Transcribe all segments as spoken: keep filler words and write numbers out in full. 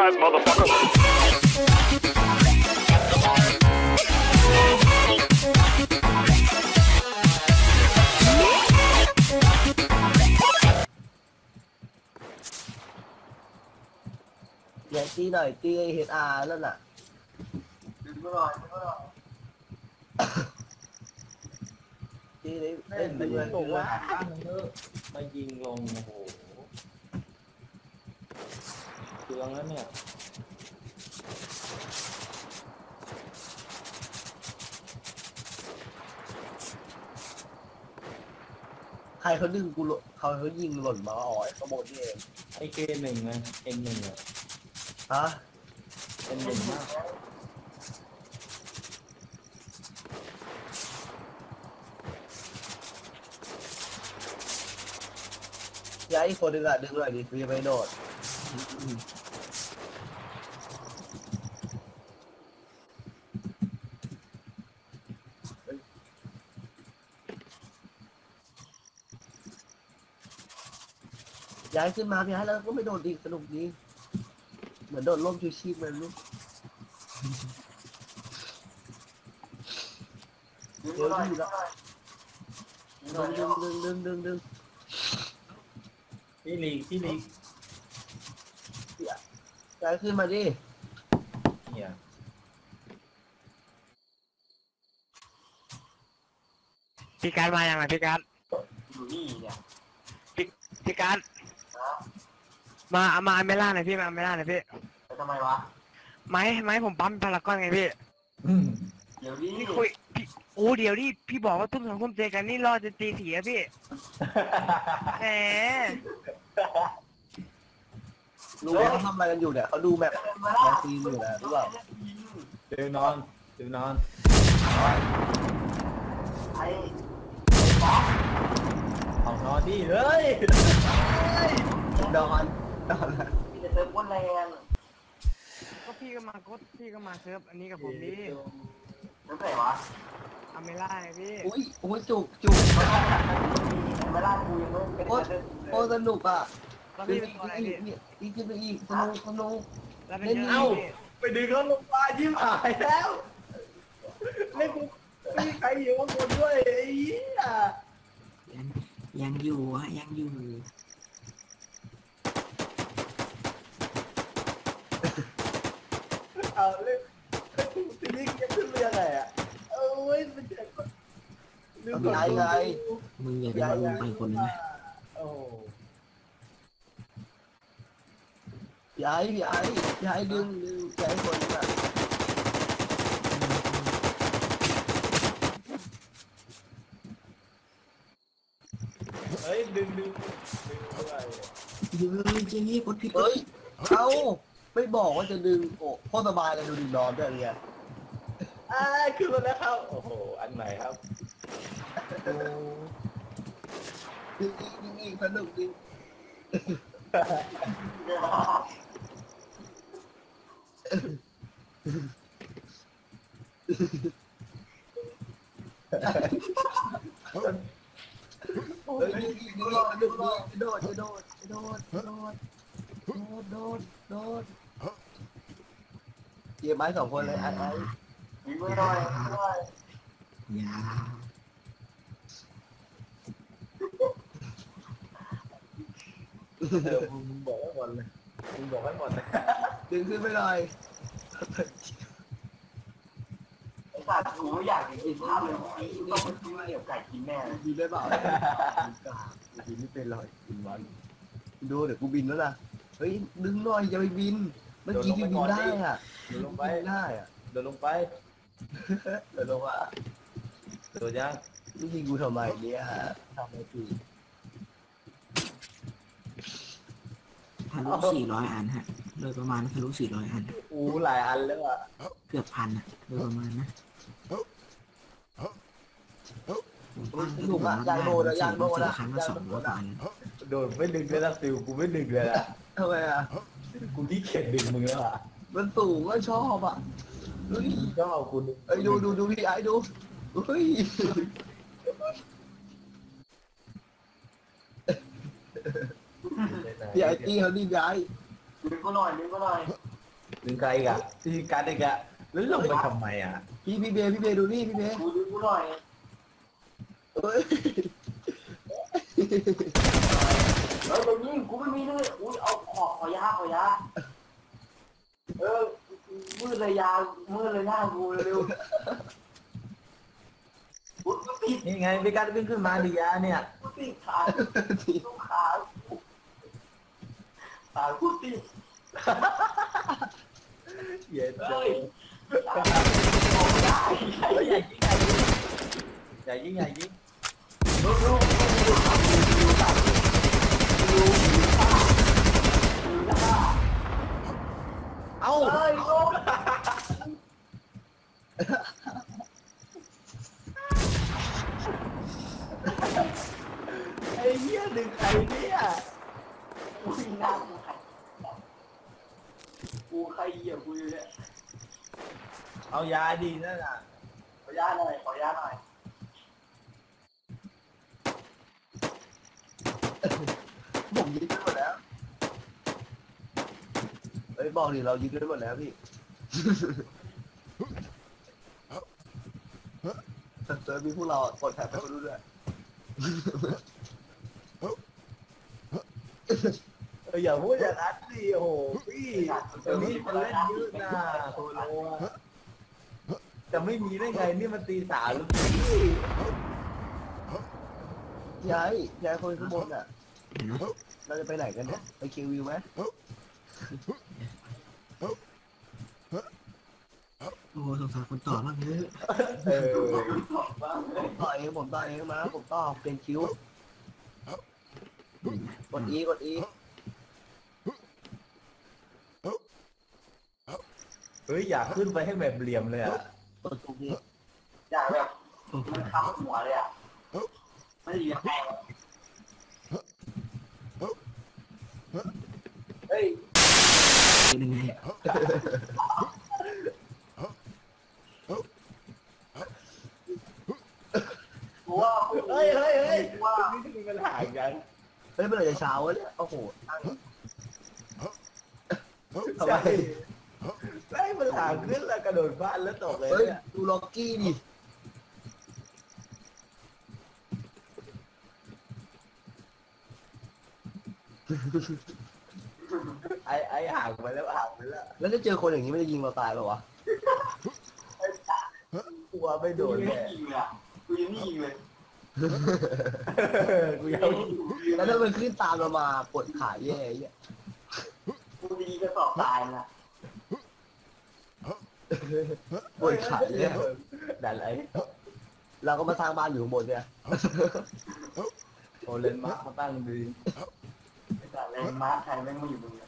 surprise, motherfucker. อย่าตีหน่อยตีเฮดอาร์นั่นน่ะตีไม่หน่อยตีเลยเล่นไปเลยลงว่ามายิงลงโอ้โหเตืองแล้วเนี่ยใครเขาดึงกูเขาเขายิงหล่นมาอ๋อยขโมยนี่เองไอเกมหนึ่งไงเอ็นหนึ่งอะฮะเอ็นหนึ่งมากย้ายอีกคนนึงอะดึงหน่อยดิกูจะไปโดดย้ายขึ้นมาย้ายแล้วก็ไม่โดดดีสนุกดีเหมือนโดดร่มชูชีพมันลูกเดี๋ยวดีแล้วดึงดึงดึงดึงดึงพี่ลีกพี่ลีกย้ายขึ้นมาดิเนี่ยพี่การมาอย่างไรพี่การอยู่นี่เนี่ยพี่พี่การมาเอามาเมล่าหน่อยพี่มาเมล่าหน่อยพี่ทำไมวะไม้ไม้ผมปั๊มพารากอนไงพี่เดี๋ยวนี้พี่คุยพี่โอ้เดี๋ยวนี่พี่บอกว่าทุ่มสองทุ่มเจอกันนี่รอจะตีสี่อะพี่แหมรู้ว่าเขาทำอะไรกันอยู่เนี่ยเขาดูแบบแมสซีนอยู่นะรู้เปล่าเดี๋ยวนอนเดี๋ยวนอนไอ้เอานอนดิเฮ้ยนอนนอนพี่จะเติมก้นแรงก็พี่ก็มากดพี่ก็มาเซิร์ฟอันนี้กับผมดินั่นไหนวะอเมล่าไงพี่อุ้ยอุ้ยจุกจุกอเมล่ากูยังไม่โคตรโคตรสนุกอ่ะแล้วพี่เป็นอะไรพี่อีกขึ้นไปอีกสนุกสนุกแล้วเป็นยังไงไปดึงเขาลงมายิ้มหายแล้วเล่นกูมีใครอยู่ข้างบนด้วยไอ้ยี่ยังอยู่ฮะยังอยู่เอาเล่นทีนี้จะขึ้นเรือไงอ่ะเอ้ยมันจะลืมไงไงมึงอย่าไปลงไปคนนึงนะโอ้ย้ายย้ายย้ายดึงดึงย้ายคนอ่ะเฮ้ยดึงดึงดึงอะไรดึงเลยเจ๊กดผิดเฮ้ยเอ้าไม่บอกว่าจะดึงโอ้โคตรสบายเลยดูดินอนด้วยเนี่ยอ่าขึ้นมาแล้วครับโอ้โหอันไหนครับดึงอีกดึงอีกสนุกจริงเฮ้ยดึงอีกดึงอีกดึงอีกโดดโดดโดดโดดโดดโดดเกี่ยไม้สองคนเลยไอ้ไอ้ยิงไม่ได้ยาเออมึงบอกให้หมดเลยมึงบอกให้หมดเลยดึงขึ้นไปเลยไอ้สัตว์กูอยากกินข้าวเลยไอ้ต้องไปกินเหนียวไก่กินแม่กินได้เปล่ากินไม่เป็นเลยกินวันดูเดี๋ยวกูบินแล้วนะเฮ้ยดึงหน่อยอย่าไปบินเมื่อกี้ที่บินได้อ่ะเดินลงไปได้อ่ะเดินลงไปเดินลงอ่ะโดนยังนี่ยิงกูทำไมเนี่ยฮะทำไมกูทะลุสี่ร้อยอันฮะโดยประมาณทะลุสี่ร้อยอันอู้หลายอันแล้วอ่ะเกือบพันอ่ะโดยประมาณนะถูกอ่ะยางโดนยางโดนละครั้งละสองร้อยอันโดนไม่ดึงเลยนะฟิวกูไม่ดึงเลยอ่ะทำไมอ่ะกูที่เข็ดดึงมึงแล้วอ่ะมันสูงก็ชอบอ่ะเฮ้ยชอบคุณไอ้ดูดูดูพี่ไอ้ดูเฮ้ยพี่ไอ้ตีเขาดีย้ายดึงก็หน่อยดึงก็หน่อยดึงใครอีกอะพี่การดอีกอะแล้วลงไปทำไมอะพี่พี่เบย์พี่เบย์ดูนี่พี่เบย์กูดูกูหน่อยเอ้ยเฮ้ยเดี๋ยวนี้กูไม่มีเลยอุ้ยเอาขอขอยาขอยาเออมืดเลยยามืดเลยหน้ากูเร็วกูติดนี่ไงพี่การดวิ่งขึ้นมาดิยาเนี่ยกูติดขาลูกขาขากูติดเย็นเฮ้ยใหญ่ยิงใหญ่ยิงใหญ่ยิงใหญ่ยิงลูกลูกลูกลูกตัดลูกขาลูกขาเอ้าเฮ้ยลูกไอ้เหี้ยดึงใครเนี่ยกูหน้ากูใครกูใครเหยียบกูอยู่เนี่ยเอายาดีนั่นน่ะขอยาหน่อยขอยาหน่อยผมยึดได้หมดแล้วเฮ้ยบอกดิเรายึดได้หมดแล้วพี่เจอมีพวกเรากดแถบไปคนรู้ด้วยเอออย่าพูดอย่างนั้นสิโอ้โหพี่ตอนนี้มันเล่นเยอะนะโทโลจะไม่มีได้ไงนี่มันตีสามแล้วพี่ย้ายย้ายคนข้างบนอ่ะเห็นไหมเราจะไปไหนกันเนี่ยไปคิววิวไหมโอ้สงสารคนต่อมากเลยเออผมต่อเองผมต่อเองมาผมต่อเป็นคิวกดอีกดอีเฮ้ยอยากขึ้นไปให้แบบเหลี่ยมเลยอ่ะกดตรงนี้อยากแบบมันค้ำหัวเลยอ่ะไม่ได้ยังไงเฮ้ยเป็นยังไงกูว่าเฮ้ยเฮ้ยเฮ้ยว่านี่มีปัญหากันเฮ้ยเมื่อไหร่จะเช้าวะเนี่ยโอ้โหทำไมได้ปัญหาขึ้นแล้วกระโดดบ้านแล้วตกเลยเฮ้ยเนี่ยดูล็อกกี้ดิไอ้ไอ้ห่างไปแล้วห่างไปแล้วแล้วถ้าเจอคนอย่างนี้ไม่ได้ยิงเราตายเปล่าวะกลัวไม่โดกูนยังแน่ไม่ยิงเลยอ่ะกูยังไม่ยิงเลยกูยังแล้วถ้ามันขึ้นตามเรามาปวดขาแย่ไอ้เหี้ยกูดีกระสอบตายนะปวดขาแย่ดันไอ้เราก็มาสร้างบ้านอยู่ข้างบนเนี่ยโอเลนมาร์คมาตั้งดีแต่เลยมาร์คไทยแม่งไม่อยู่ตรงนี้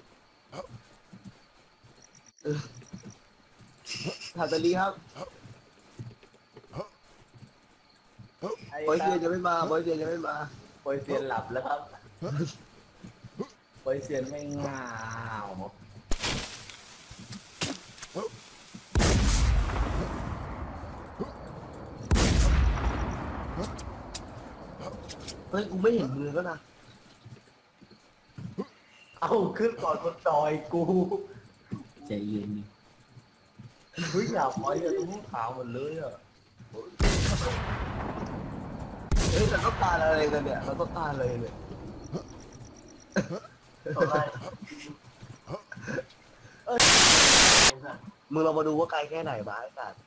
ทาตาลีครับไอ้บอยเซียนจะไม่มาบอยเซียนจะไม่มาโปรยเซียนหลับแล้วครับโปรยเซียนไม่ง่าวเฮ้ยกูไม่เห็นมือก็นะเอาขึ้นก่อนคนจอยกูใจเย็นดิเฮ้ยอยากไปอะตรงนู้นขาวหมดเลยอะเฮ้ยเราต้องการอะไรกันเนี่ยเราต้องการอะไรเนี่ยต่อไปมึงเรามาดูว่าไกลแค่ไหนมาไอ้สัตว์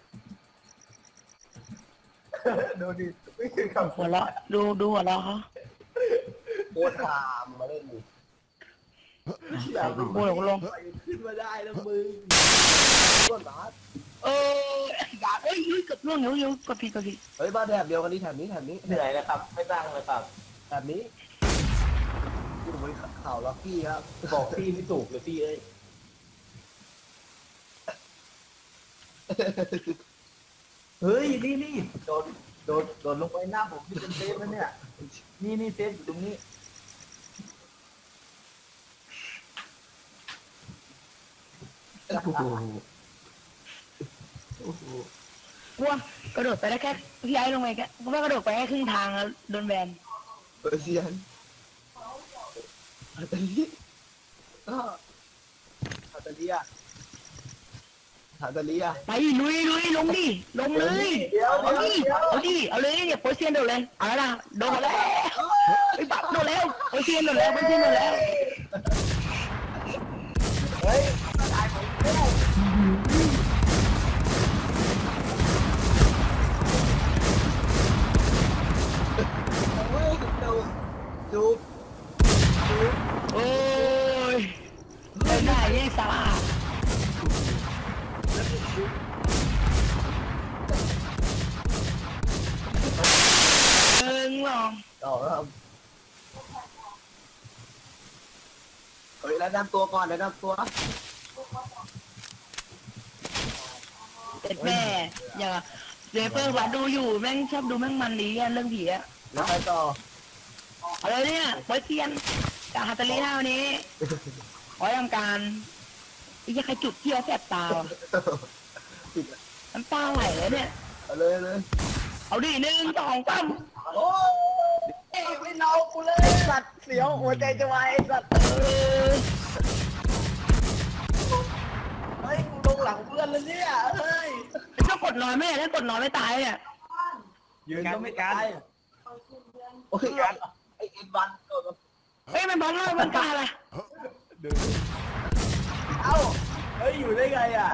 ดูดิไม่คือคำหัวเราะดูดูหัวเราะเขาโคตรทามมาเล่นดิอยากโอ้ยลงไปขึ้นมาได้แล้วมึงโคตรบาสเอออยากเอ้ยเฮ้ยเกับล่วงเดี๋ยวเดี๋ยวกดผิดกดผิดเฮ้ยบ้านแถบเดียวกันนี่แถบนี้แถบนี้เหนื่อยนะครับ ไม่ตั้งเลยครับแถบนี้อยู่บนเขาล็อกกี้ครับบอกพี่ไม่ถูกเลยพี่เอ้ยเฮ้ยนี่นี่โดดโดดโดดลงไปหน้าผมที่เป็นเซฟแล้วเนี่ยนี่นี่เซฟอยู่ตรงนี้โอ้โหโอ้โหกลัวกระโดดไปได้แค่พี่ไอ้ลงไปแค่กูว่ากระโดดไปแค่ครึ่งทางแล้วโดนแบนเปอร์เซียนทาตาลีก็ทาตตาเลียหาตาเลียไปลุยลุยลงดิลงเลยเดี๋ยวเอาเดี๋ยวดิเดี๋ยวเอาดิเอาเลยเนี่ยโปรเซียนโดนเลยเอาละโดนแล้วไอ้บักโดนแล้วโปรเซียนโดนแล้วโปรเซียนโดนแล้วเฮ้ยเฮ้ยดูดูดูโอ้ยเล่นได้ยังสาระเอิงลองต่อครับเฮ้ยแล้วนำตัวก่อนแล้วนำตัวเด็ดแม่อย่างเจเฟอร์วัดดูอยู่แม่งชอบดูแม่งมันดีอะเรื่องผีอะแล้วไปต่อเอาเลยเนี่ยโปรเซียนจากฮัตเตอรี่ห้าวันนี้ขอทำการไอ้ยังใครจุดเที่ยวแสบตาน้ำตาไหลเลยเนี่ยเอาเลยเลยเอาดิหนึ่งสองสามโอ้ยไม่เนากูเลยสัตว์เสียวหัวใจจะวายสัตว์เออเฮ้ยกูลงหลังเพื่อนแล้วเนี่ยเฮ้ยถ้ากดนอนไม่ได้ถ้ากดนอนไม่ตายเนี่ยยืนก็ไม่ตายโอ้ยไอเอ็นวันตัวเฮ้ยมันบอลเล่ามันกล้าอะไรเอ้าเฮ้ยอยู่ได้ไงอ่ะ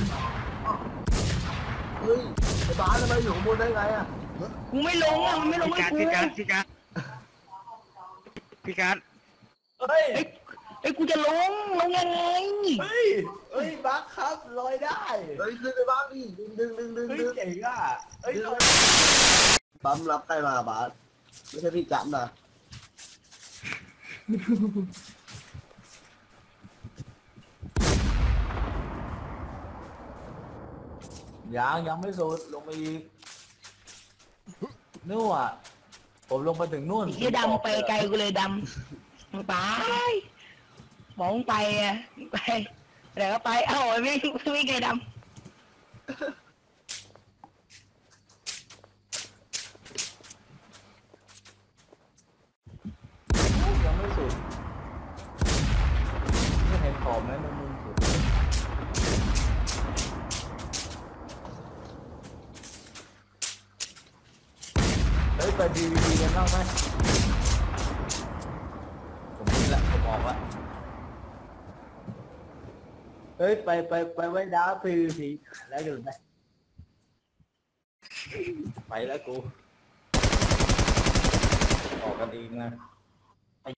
เฮ้ยไอ้บ้านทำไมอยู่ข้างบนได้ไงอ่ะกูไม่ลงอ่ะมันไม่ลงพี่ให้การกูพี่การพี่การพี่การเฮ้ยเฮ้ยเฮ้ยกูจะลงลงยังไงเฮ้ยเฮ้ยบักครับลอยได้เฮ้ยขึ้นไปบ้างดิดึงดึงดึงดึงเฮ้ยดึงเจ๋งอ่ะเฮ้ยลอยปั๊มรับใครมาบาสไม่ใช่พี่จับนะยังยังไม่สุดลงไปอีกนู่นอ่ะผมลงไปถึงนู่นไอ้เหี้ยดำไปไกลกูเลยดำมึงไปมองไปอ่ะไปเดี๋ยวก็ไปเอ้าไม่ไม่ไกลดำยังไม่สุดไม่เห็นขอบไหมมันมุมสุดเฮ้ยไปดีวีดีกันบ้างไหมผมนี่แหละผมบอกว่าเฮ้ยไปไปไปไว้ดาวพีวีพีแล้วดูไหมไปแล้วกูออกกันเองนะ